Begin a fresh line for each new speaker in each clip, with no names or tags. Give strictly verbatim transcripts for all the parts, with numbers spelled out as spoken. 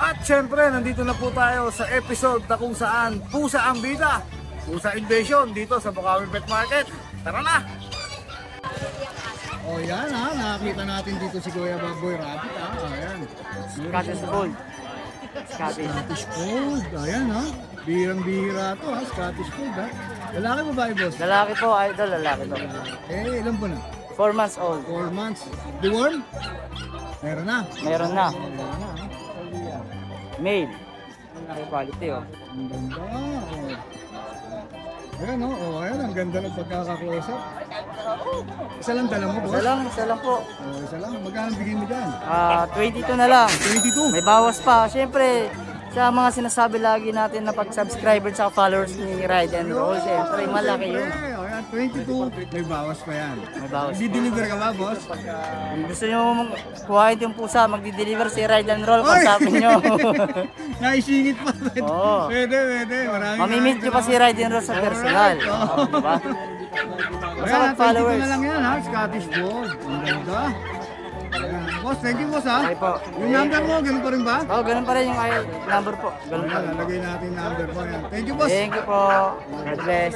At syempre, nandito na po tayo sa episode na kung saan pusa ang bida. Pusa Invasion dito sa Bukawi Pet Market. Tara na! O oh, yan ha, nakakita natin dito si Kuya Baboy Rabbit ha. Ayan.
Scottish Fold. Scottish.
Scottish Fold. Ayan ha. Bihirang-bihira to ha, Scottish Fold ha. Lalaki ba ba boss?
Lalaki po, idol, lalaki to.
Eh, ilan po na?
four months old.
four months. Deworm? Meron na.
Meron na.
Meron na.
Male. Ang quality oh.
Ang ganda. Oh. Ayan o, oh. oh, ayan. Ang ganda ng pagkaka-close up. Isa lang dala mo, boss?
Isa lang, isa lang po.
Oh, isa lang. Magkano bigay mo dyan?
Ah, twenty-two na lang.
twenty-two?
May bawas pa. Siyempre, sa mga sinasabi lagi natin na pag-subscriber at followers ni Ride and Roll, siyempre malaki yun.
Ayan, twenty-two. May bawas pa yan.
May bawas.
Di-deliver ka ba, boss?
Kung gusto nyo kuhain yung pusa, magdi-deliver si Ride and Roll, kontakin nyo.
Naisingit pa.
Oo.
Pwede, pwede. Maraming
mamimit nyo pa si Ride and Roll sa personal.
Oo,
diba?
Basta mag-followers. twenty-two na lang yan ha, Scottish Fold. Ang ganda. Ayan. Boss, thank you boss ha.
Okay po.
Yung number mo, ganun pa rin ba?
Oo, oh, ganun pa rin yung number po. Ganun pa rin.
Lalagay natin yung number po. Ayan. Thank you boss.
Thank you po. God bless.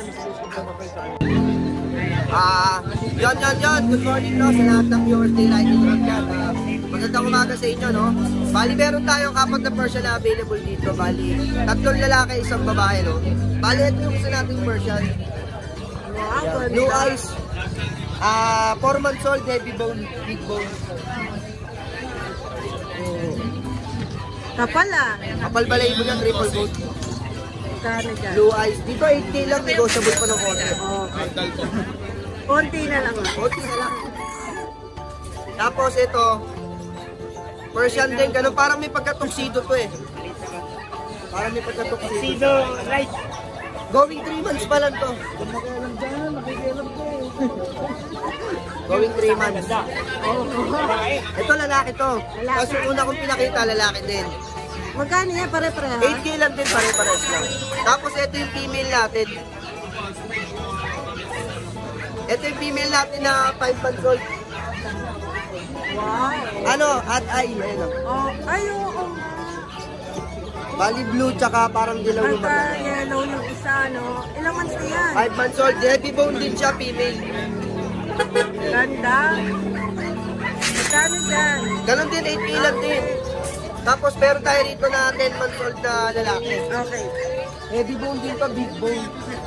Ah, yon yon yon. Good morning no sa lahat ng viewers ni Ride and Roll dyan. Uh, magandang umaga sa inyo no. Bali meron tayong apat na Persian na available dito. Bali tatlong lalaki, isang babae no. Bali ito yung isa nating Persian. Blue eyes. Ah, four months old, heavy bone, big bone.
Kapal ah.
Kapal balay mo yan, triple coat.
Kano dyan?
Blue eyes. Dito eight K lang, negotiable pa ng konti.
Okay. Konti na lang ah.
Konti na lang. Tapos ito, Persian din, ganun, parang may pagka-tuxedo to eh. Parang may pagka-tuxedo.
right.
Going three months pa lang to. Going three months. Ito lalaki to. Tapos yung una kong pinakita, lalaki din.
Magkano yan? Pare-pareha?
eight K lang din, pare-pares lang. Tapos ito yung female natin. Ito yung female natin na five months old.
Wow.
Ano? At ay, ayun o.
Oh, ay, oo. Oh,
Bali blue, tsaka parang dilaw yung
At
mata.
yellow yung isa, no? Ilang months na yan?
five months old, heavy bone din siya, female.
Ganda. Magkano dyan?
Ganon din, eight K lang din. Tapos meron tayo rito na ten months old na lalaki.
Okay.
Heavy bone din pa, big bone.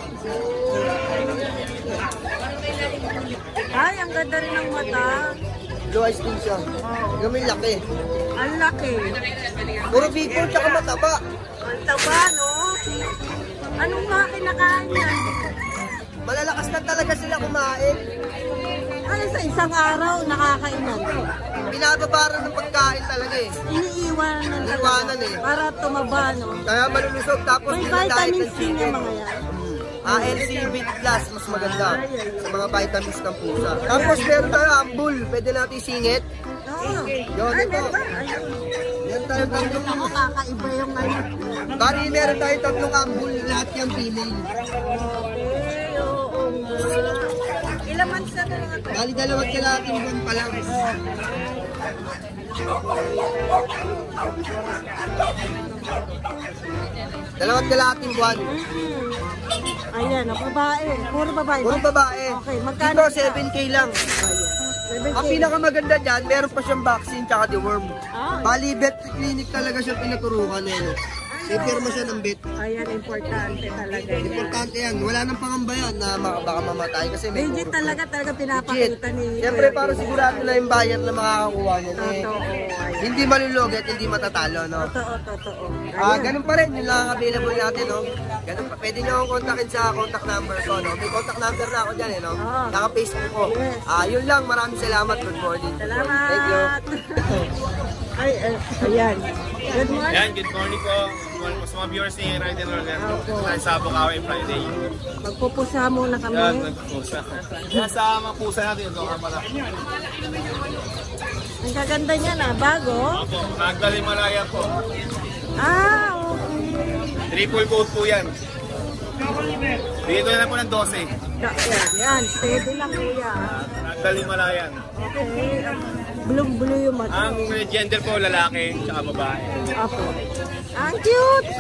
Ay, ang ganda rin ng mata.
Blue eyes din siya. Yung may laki.
Ang laki.
Puro big bone tsaka mataba.
Ang taba, no? Anong mga kinakain yan?
Malalakas na talaga sila kumain.
Ano sa isang araw, nakakainan?
Binababaran ng pagkain talaga eh.
Iniiwanan talaga.
Iniiwanan eh.
Para tumaba, no?
Kaya malulusog tapos
May
dinadayet
vitamins
ng
din
chicken.
yung mga yan.
Ah, L C B plus, mas maganda sa mga vitamins ng pusa. Tapos meron tayo ambul, pwede natin singit.
Oo.
Yun,
Ay,
ito.
meron ba? Ayun.
Yan tayo tatlong.
Ako, kakaiba yung ano.
Bari meron tayo tatlong ambul, lahat yung female.
Okay, oo nga. Ilang months na talaga ito?
Bali dalawang kalating buwan pa lang. Dalawang kalating buwan.
Ayan, ang babae. Puro babae.
Puro babae.
Okay, magkano
Dito seven K lang.
seven K.
Ang pinakamaganda dyan, meron pa siyang vaccine tsaka deworm.
Ah.
Bali, vet clinic talaga siya pinaturukan eh. Ipirma siya ng vet.
Ayan, importante talaga yan.
Importante yan. Wala nang pangamba yan na maka- baka mamatay kasi may
Legit
puro-
talaga, talaga
Legit.
pinapakita ni
Siyempre
Kuya
para
Bill.
sigurado na yung bayan na makakakuha niya. Eh,
Totoo. Ayan.
hindi malulog at hindi matatalo, no?
Totoo, totoo.
Ah,
Ayan.
ganun pa rin, yun lang ang available natin, no? Ganun pa. Pwede niyo akong kontakin sa contact number ko, no? May contact number na ako dyan, eh, no?
Oo.
Naka-Facebook ko.
Yes.
Ah, yun lang. Maraming salamat. Good morning.
Salamat.
Thank you.
Ay, ay, ayan. Good morning.
Yan, good morning po. Good morning po sa mga viewers ni Ride and Roll. Yan,
Opo.
tayo sa Bukawi Friday.
Magpupusa muna kami.
Yan, nagpusa. Yan sa mga pusa natin, ito nga pala.
Ang kaganda niya na, bago.
Opo, Magdali Malaya po.
Ah, okay.
Triple coat po yan. Dito na po ng twelve.
Yan, yan. Steady lang kuya.
Magdali Malayan.
Okay. Blue-blue yung mata.
Ang gender po, lalaki, tsaka babae.
Apo. Ang cute!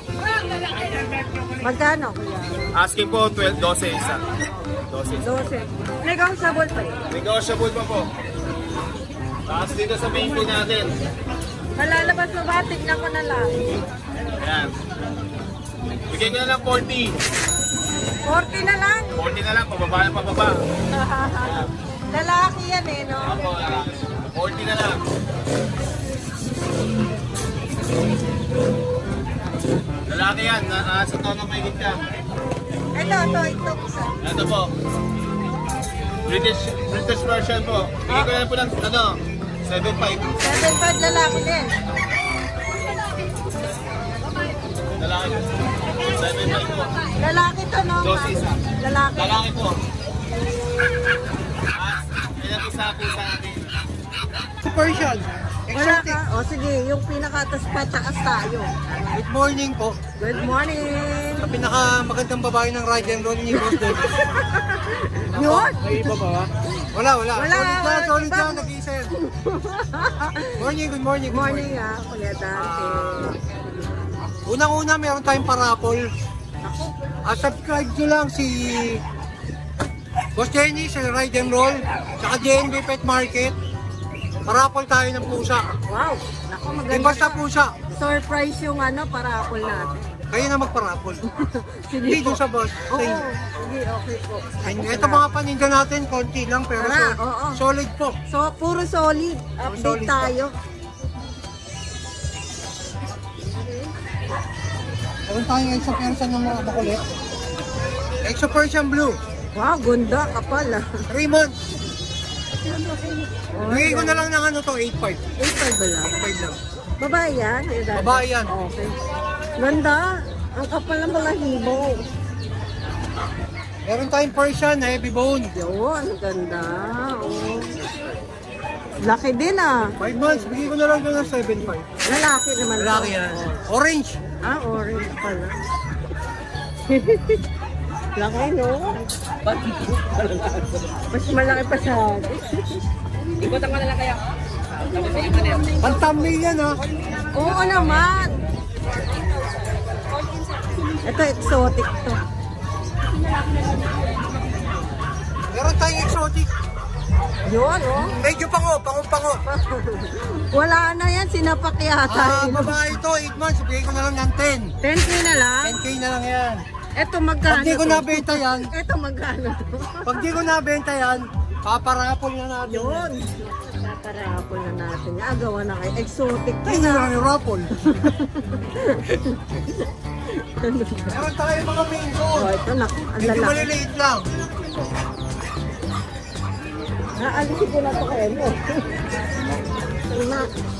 Magkano?
Asking po, twelve, twelve isa. twelve isa.
twelve. Negotiable pa yun.
Negotiable pa po. Tapos dito sa main po natin.
Malalabas mo ba? Tignan ko na lang.
Ayan. Bigay ko na lang forty.
forty na lang.
forty na lang, pababa na pababa.
Lalaki yan eh, no?
Apo, lalaki. forty na lang. Lalaki yan, nasa tono may ka.
Ito, ito, ito.
Ito po. British British version po. Bigay ko na lang po ng ano, seven five.
seven five lalaki din.
Lalaki. seven five po.
Lalaki to, no?
twelve isa.
Lalaki.
Lalaki po. As, ilan isa po sa atin.
Persian.
Wala ka? O sige, yung pinakatas pataas tayo.
Good morning po.
Good morning!
Sa pinakamagandang babae ng ride and roll ni Boss David.
Yun!
May iba ba? Wala, wala.
Wala,
Solid na,
wala,
solid
iba.
na, nag-iisa yan. Morning, good morning.
Good morning ah, Kuya Dante.
Unang-una, meron tayong parapol. At subscribe nyo lang si Boss Jenny sa Ride and Roll, tsaka J N B Pet Market. Parapol tayo ng pusa.
Wow! Naku,
Di
maganda.
basta pusa.
Surprise yung ano, parapol natin.
Kayo na magparapol.
Sige
Hindi
po.
doon sa boss.
Oo,
Sa inyo.
sige, okay po.
Ito mga paninda natin, konti lang pero
Tara,
so-
oo.
solid po.
So, puro solid. Update
solid
tayo.
Meron tayong Exo Persian ng mga makulit. Exo Persian Blue.
Wow, ganda kapal ah.
three months. Bigay ko na lang ng ano to, eight five.
eight five ba lang?
eight five lang.
Babae yan? Kuya Dante?
Babae yan.
Okay. Ganda. Ang kapal ng mga hibo.
Meron tayong Persian na heavy bone.
Yun, ganda. Oh. Laki din ah.
five months, bigay ko na lang ng seven five.
Lalaki naman. to.
Lalaki yan. Orange.
Ah, orange pala. Laki, no? Mas malaki pa sa akin.
Ikutan ko na lang kaya.
Pantamay yan ha.
Oo naman. Ito, exotic to.
Meron tayong exotic.
Yun, oh.
Medyo pango, pango-pango.
Wala na yan, sinapak
Ah,
yata.
babae ito, eight months, bigay ko na lang ng ten.
ten K na lang.
ten K na lang yan.
Ito
Pag
magkano
di ko
to?
nabenta yan,
Ito magkano to?
pag di ko nabenta yan, paparapol na natin.
Yun. Paparapol na natin. Agawa na kayo. Exotic to
Ay, na
na.
lang yung rapol. Meron tayo mga main
Oh,
goal.
ito na. Ang
Medyo
lalaki.
maliliit lang.
Naalisin ko na ito kayo mo. Na,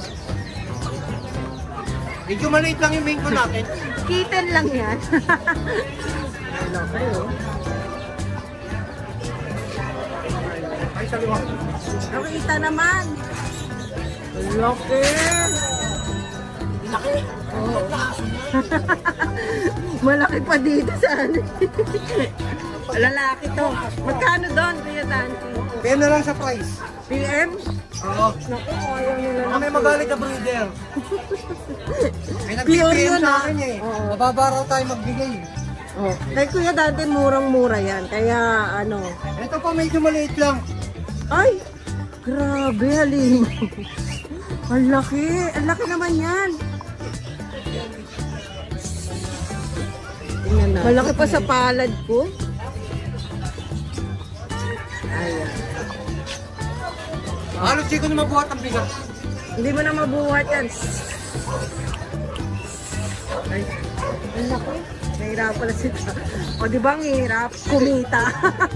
Medyo maliit lang yung main goal natin.
kitten lang yan. Ang laki, oh.
Ay, sa liwang.
Nakita naman. Ang laki.
Laki.
Oh. Malaki pa dito sa ano. Lalaki to. Magkano doon, Kuya Dante?
Kaya na lang sa price.
P M?
Oo.
Naku, ayaw nila
Baka
lang.
may magalit na breeder. May
Pure
nag-P M
yun,
sa
ah.
akin eh.
Oo.
Mababa raw tayo magbigay.
Oh. Kay Kuya Dante, murang-mura yan. Kaya ano.
Ito pa medyo maliit lang.
Ay! Grabe, halim. Ang laki. Ang laki naman yan. Malaki pa sa palad ko. Ayan.
Halos di ko na mabuhat ang bigat.
Hindi mo na mabuhat yan. Ay, ang laki. Nahirap pala sila. O di ba ang hirap? Kumita.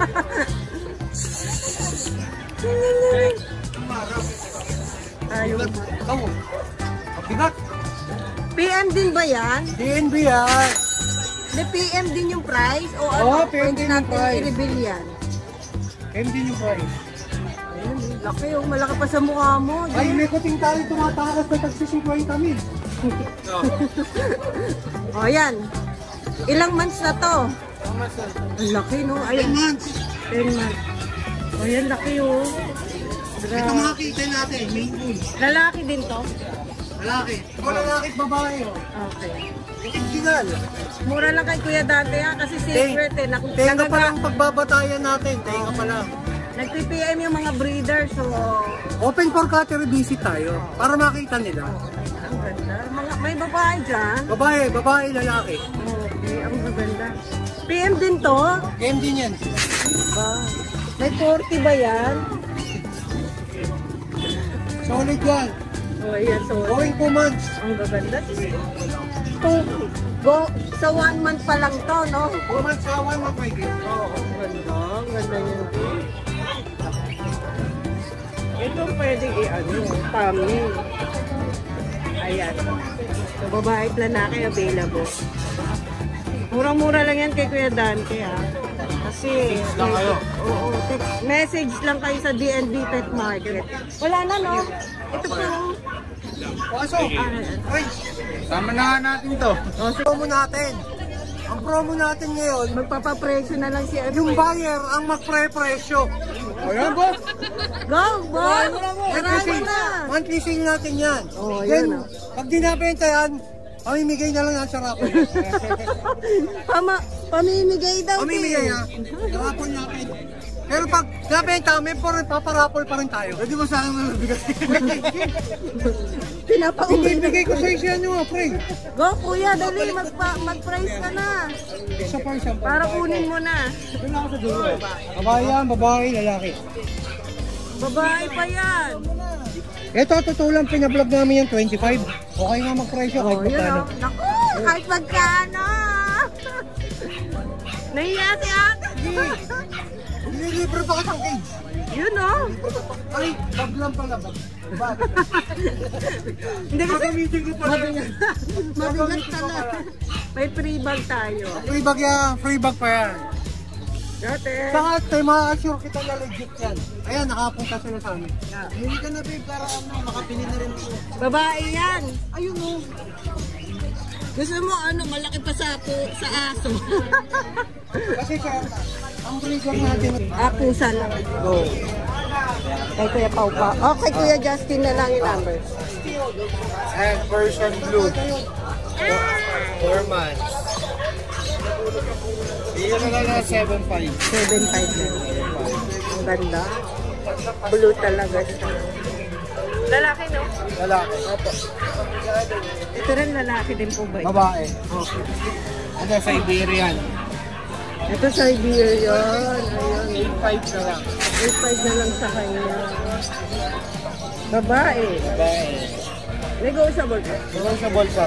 Ayaw.
Ikaw, ang bigat.
P M din ba yan?
D N B yan.
May P M din yung price? O ano?
Oo, P M din yung
natin
price.
i-reveal yan?
M D yung price.
Ayun, laki yung malaki pa sa mukha mo.
Ay, may kuting tayo tumatakas na tagsisikway kami.
O yan. Ilang months na to? Ang laki no? Ay,
ten months.
ten months. O yan, laki oh.
Ito makikita natin, main pool.
Lalaki din to?
Lalaki. Ito lalaki at babae. Oh.
Okay.
Original.
Mura lang kay Kuya Dante ha, kasi secret eh. Nak
Tenga pa lang pagbabatayan natin. Tenga pa lang.
Nag-P P M yung mga breeders, so...
Open for cattery visit tayo para makita nila.
Ang ganda. Mga, may babae dyan.
Babae, babae, lalaki.
Okay, ang maganda. P M din to?
Game din yan.
Ba? May forty ba yan?
Solid yan.
Oh, ayan, so...
Going two months.
Ang gaganda. Two, go, sa one month pa lang to, no?
Two months sa one month may game. Oo.
Ang ganda, ang ganda yun. Ito pwedeng i-ano, tummy. Ayan. So, babae at lalaki available. Murang-mura lang yan kay Kuya Dante, ha? Kasi,
lang kayo.
Oo, text, message lang kayo sa D N B Pet Market. Wala na, no? Ito po.
Pasok. Ay, sama na natin to.
Oh, so,
Promo natin. Ang promo natin ngayon,
magpapapresyo na lang si ano.
yung buyer ang magpre-presyo. Ayan ba?
Go, boy!
Monthly
Marami
sale.
na!
Monthly sale natin yan.
Oh,
Then,
yun, ah.
pag di nabenta yan, pamimigay na lang ang sarapon.
Pama, pamimigay daw.
Pamimigay
din.
ha. Sarapon natin. Pero pag nabenta, may paparapol pa rin tayo. Pwede mo sa akin nabigay.
Pinapauwi.
Ibigay ko sa isya nyo, pre.
Go, kuya, dali, magpa, mag-price ka na.
Isa pa isang
Para kunin mo na.
Doon ako sa dulo. Babae yan, babae, lalaki.
Babae pa yan.
Ito, totoo lang, pinablog namin yung twenty-five. Okay nga mag-presyo, kahit
Oh, yun
magkano.
o. Naku, kahit magkano. Nahiya si ate.
Nililibre pa kitang cage.
Yun o.
Ay, bag lang pala. Bag. Bag.
Hindi kasi
Gagamitin ko pala.
mabigat. Mabigat talaga. May free bag tayo.
Free bag yan, free bag pa yan.
Dati.
Saka, tayo ma-assure kita na legit yan. Ayan, nakapunta sila sa amin. Hindi ka na, babe, para ano, makapili na rin po.
Babae yan.
Ayun o.
Gusto mo ano, malaki pa sa, sa aso.
Kasi sa, ang breeder natin.
Ah, pusa lang.
Go.
Kay Kuya Pau pa. Okay, Kuya Justin na lang yung number.
And version blue. Four months. Iyon na lang na seven five.
seven five na. Ang ganda. Blue talaga siya. Lalaki, no?
Lalaki. Opo.
Ito rin lalaki din po ba?
Babae.
Okay.
Ano, Siberian.
Ito Siberian. Ayan.
eight five na lang.
eight five na lang sa kanya. Babae.
Babae.
Negotiable po.
Meron sa bolsa.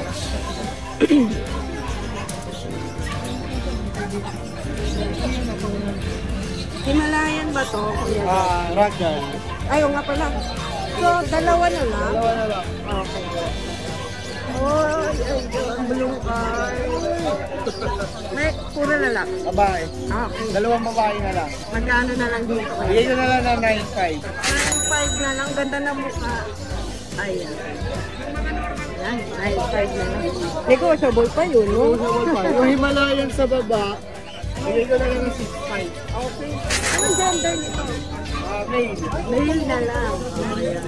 Himalayan ba to? Kuya?
Ah, ragdoll.
Ayaw nga pala. So, dalawa na lang?
Dalawa na lang.
Okay. Oh, ay, ang blue eye. May puro lalaki.
Babae.
Ah, okay.
Dalawang babae na lang.
Magkano na lang dito kayo?
Bigay ko na lang ng nine five.
nine five na lang. Ganda na mukha. Ayan. Ayan, nine five na lang. Negotiable pa yun, no?
Yung Himalayan sa baba, bigay ko na lang ng six five.
Okay. Anong gender nito?
Ah, male.
Male na lang. Ayan.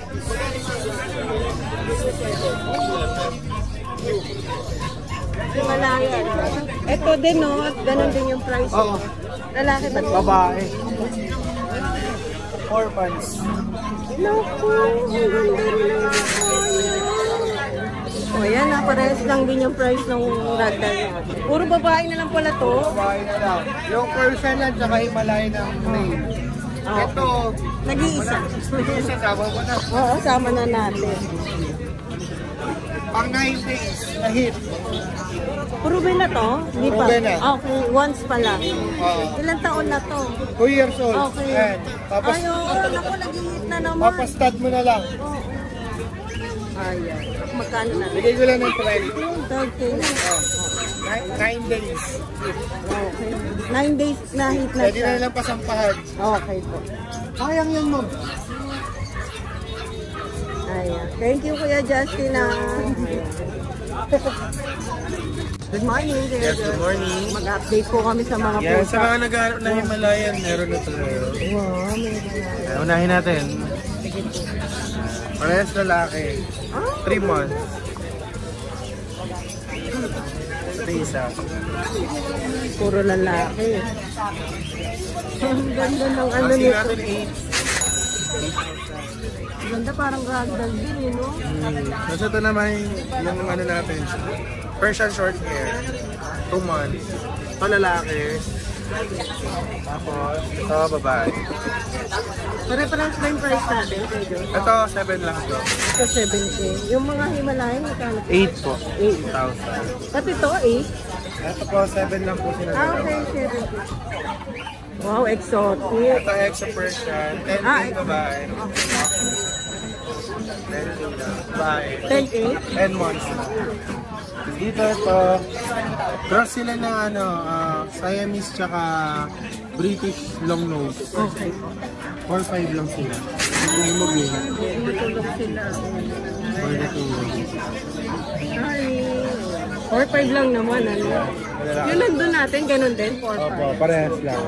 Himalayan. Ito din, no? Ganon din yung price.
Oo.
Lalaki ba?
Babae. Four months.
Naku, ang ganda rin ang o yan, na parehas lang din yung price ng ragdoll natin. Puro babae na lang pala to.
Babae na lang. Yung Persian lang, tsaka Himalayan ng male.
Ah.
Ito,
Nag-iisa.
isa sama mo na.
Oo, sama na natin.
Pang nine days na hit.
Proven na to? Hindi pa?
Proven na.
Okay, once pa lang.
Oo.
Ilang taon na to?
Two years old.
Okay.
Ayan. Papas,
Ay, oo, naku, nag-hit na naman.
papastad mo na lang.
Oo. Ayan. Magkano na?
Bigay ko lang ng twelve.
third K na.
Nine, nine days.
Okay. Nine days na hit na
Pwede
siya.
na lang pasampahan.
Okay po.
Sayang yan, ma'am.
Ayan. Thank you, Kuya Justin. ah. Good morning, Kuya
Yes, good morning.
Mag-update po kami sa mga
Yan,
pusa.
sa mga nag-aaral na Himalayan, meron na tayo.
Wow, meron na.
Unahin natin.
Ito.
Parehas lalaki. three months. Ito isa.
Puro lalaki. Ang ganda ng ano
Kasi
nito.
natin eight.
Ang ganda parang ragdoll din eh, no?
Tapos ito naman yung ano natin. Persian short hair. two months. Ito lalaki. Tapos ito babae.
Pare-parang ba yung price natin, Pedro?
Ito seven lang ito.
Ito seven K. Yung mga Himalayan, magkano?
eight po.
eight.
thousand.
Pati ito, eight.
Ito po seven lang po sila.
Ah, okay, seven K. Wow, exotic.
Ito exo Persian. ten
Ah,
K babae. ten K babae.
ten K?
ten months na. Dito ito, cross sila ng ano, uh, Siamese tsaka British long nose.
Okay.
four five lang sila. Hindi mo gina.
Matulog sila.
four na two.
Hi. four five lang naman, ano? Yung nandun natin, ganun din, four five.
Opo, parehas lang.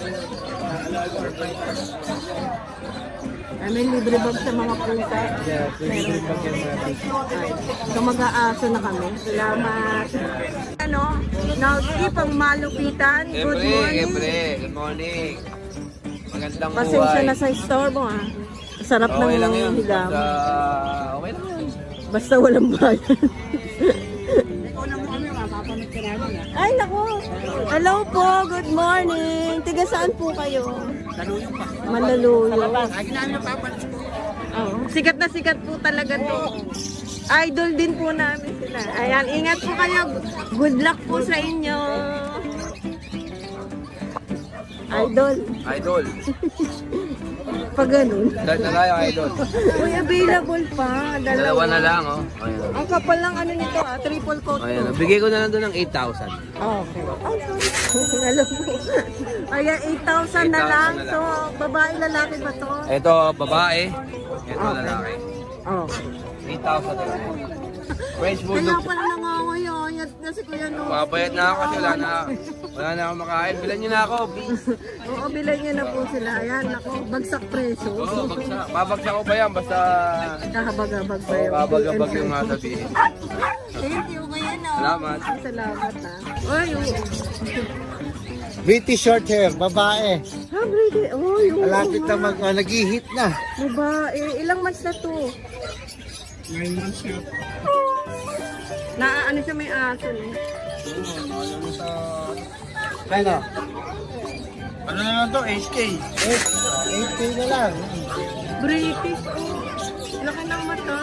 I mean, libre bag sa mga pusa.
Yeah, pwede rin pag yan natin.
Ay, so mag-aaso na kami. Salamat. Ano? Now, keep ang malupitan. Good morning.
Siyempre, good morning. Magandang
Pasensya
buhay.
na sa store mo, ha? Sarap ng
Okay lang yun.
hilam.
Basta, okay lang yun.
Basta walang bayan. Ay, naku. Hello po. Good morning. Tiga saan po kayo? Malaluyo. Oh, sikat na sikat po talaga to. Idol din po namin sila. Ayan, ingat po kayo. Good luck po sa inyo. Idol.
Idol.
Pag ganun.
Dahil na tayo, idol.
Uy, available pa. Dalawa.
Dalawa na lang, oh. Ayan.
Ang kapal lang ano nito ah, triple coat
Ayan,
to.
oh. Bigay ko na lang doon ng eight thousand.
Okay. Oh, sorry. Alam mo. Ayan, eight thousand na lang.
na lang.
So, babae, lalaki ba to?
Ito, babae. Ito,
Okay.
lalaki.
Okay.
eight thousand na lang. French
Kaya
Bulldog.
pala nangangayon. Yan na si Kuya no.
Makabayad na ako kasi wala na, wala na ako makain. Bilan nyo na ako, please.
Oo, bilan niya na po sila. Ayan, ako, bagsak presyo.
Oo, bagsak. Babagsak ko ba yan? Basta
Kahabag-habag ba
oh,
yun?
babag-abag yung masabihin.
Thank you, Kuya no.
Salamat.
Salamat ha. Uy, uy.
British short hair, babae.
Ha, Brady. Oh, yung
Malapit na mag, uh, nag-hit na.
babae. Ilang months na to?
nine months yun.
Na ano siya may aso no?
Kano?
Ano na lang to? eight K.
eight K na lang.
British, oh. Laki ng mata.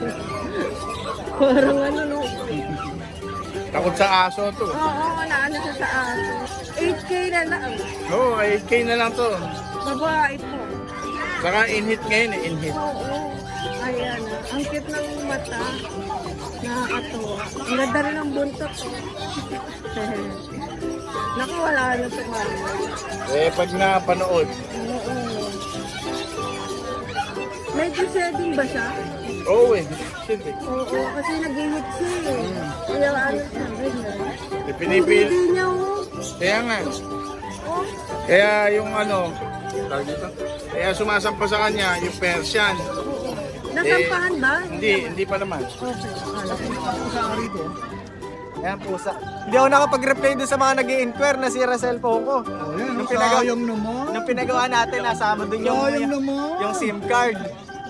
Parang ano, no?
Takot sa aso to.
Oo, oo, naano siya sa aso. eight K na lang.
Oo, oh, eight K na lang to.
Babae po.
Saka in-hit ngayon eh, in-hit.
Oo. Ayan, ah. Ang cute ng mata. Nakakatuwa. Ang ganda rin ang buntot. Oh. Naku, wala na sa kanya.
Eh, pag napanood.
Oo. Medyo shedding ba siya?
Oo eh. Siyempre.
Oo, kasi nag-hit siya eh. Kaya ano siya, ganyan.
Eh, pinipil.
Hindi niya, oh.
Kaya nga.
Oh,
Kaya yung ano, tawag dito? Kaya sumasampa sa kanya yung Persian.
nasampahan ba?
Hindi, hindi pa naman.
Okay, akala ko.
Ayan pusa. Hindi ako nakapag-reply doon sa mga nag-i-inquire na sira cellphone ko.
Oh, yan,
Nung pinagawa,
sayang naman.
nung pinagawa natin, nasama doon yung,
Sayang naman.
yung SIM card.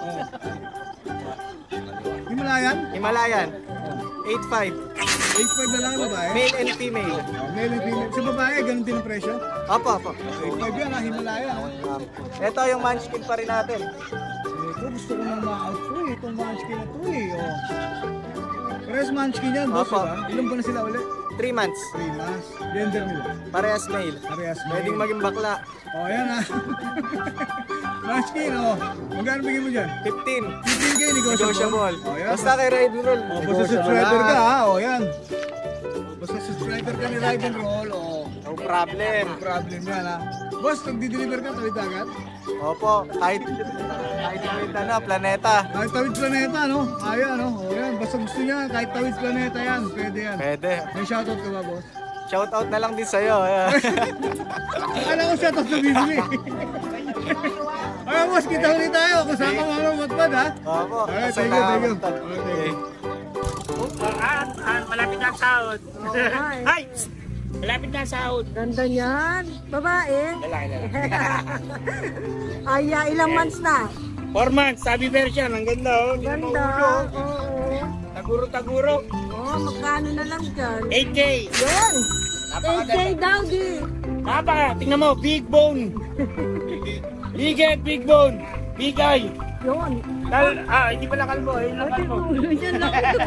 Himalayan?
Himalayan. eight five.
eight five na lang babae?
Male and female.
Male and female. Sa babae, ganun din ang presyo?
Opo, opo.
eight five yan ha, Himalayan.
Um, ito yung munchkin pa rin natin.
Ito, gusto ko nang ma-out ko eh. Itong munchkin na to eh. Oh. Parehas munchkin yan, boss,
Opo.
diba? Ilan ba na sila ulit?
three months.
three months. Gender nila.
Parehas male.
Parehas male.
Pwedeng maging bakla.
Oh, yan ha. Munchkin, oh. Magkano bigyan mo dyan?
fifteen.
fifteen K negotiable.
Negotiable.
Oh, yan.
Basta kay Ride and Roll.
Oh, basta subscriber ka ha, oh yan. Basta subscriber ka ni Ride and Roll, oh.
No problem.
No problem yan ha. Boss, nagdi-deliver ka tawid agad?
Opo, kahit kahit kahit ano, planeta.
Kahit tawid planeta, no? Ayan, no? Oh, yan. Basta gusto niya, kahit tawid planeta yan. Pwede yan.
Pwede.
May shoutout ka ba, boss?
Shout out na lang din sa'yo.
Akala ko shoutout na bibili.
Ay, boss, kita ulit tayo. Kasama mo mga matpad, ha?
Opo.
Alright, thank you, thank you. Okay, thank you.
Ah, ah, malapit na ang sahod.
Ay.
Ay! Malapit na ang sahod.
Ganda niyan. Babae.
Lalaki na.
Ay, ah, ilang months na?
Four months, sabi version. Ang ganda, oh. Hindi na
Ganda.
maulo.
Oo.
Taguro-taguro.
Oh, magkano na lang dyan?
eight K.
Yun. eight K daw, di.
Napaka, tingnan mo, big bone. Big head, big bone. Big eye.
Yun.
Kal ah, hindi pala kalbo. Ayun lang kalbo.
Yan lang ito.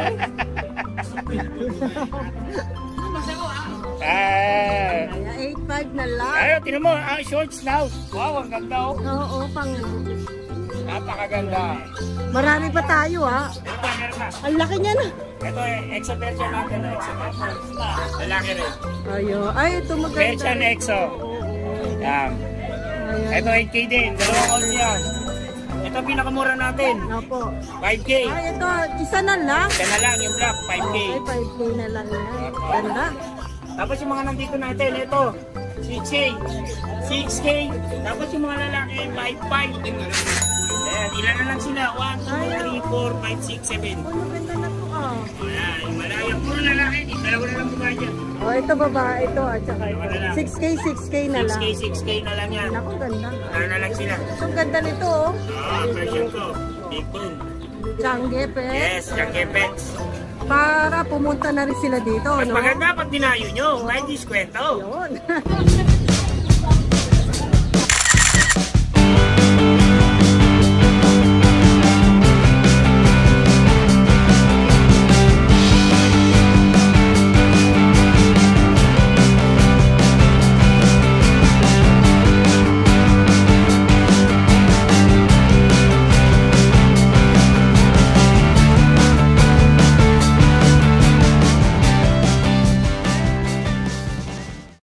Ah.
Kaya eight five na lang.
Ayo, tingnan mo, ang shorts now. Wow, ang ganda, oh.
Oo, pang...
Napakaganda.
Marami pa tayo, ha?
Meron pa, meron pa.
Ang laki niya na.
Ito eh, exo version natin. Exo version. Lalaki rin.
Ayo. Ay, ito maganda.
Version exo. Yan.
Ayan.
Ito eight K din. Dalawang all yan. Ito pinakamura natin.
Opo.
five K.
Ay, ito. Isa na lang.
Ito na lang yung black. five K.
Ay, five K na lang yan. Ganda.
Tapos yung mga nandito natin, ito. six K. six K. Tapos yung mga lalaki, five five. Ayan, ilan na lang sila? one, two, three, four, five, six, seven.
Oh, maganda na to, ah.
Ayan, yung malaya. Puro lalaki. Dalawa na lang buka dyan.
Oh, ito babae ito at saka ito. six K, six K na
six
lang.
K, six K na lang yan.
Naku, ganda.
Ano na lang sila?
Ang ganda nito, oh.
Ah, version ko. Big boom.
Changi, pe.
Yes, Jackie Pets.
Para pumunta na rin sila dito,
Mas
no?
maganda pag dinayo nyo. Kahit diskwento.
Yun.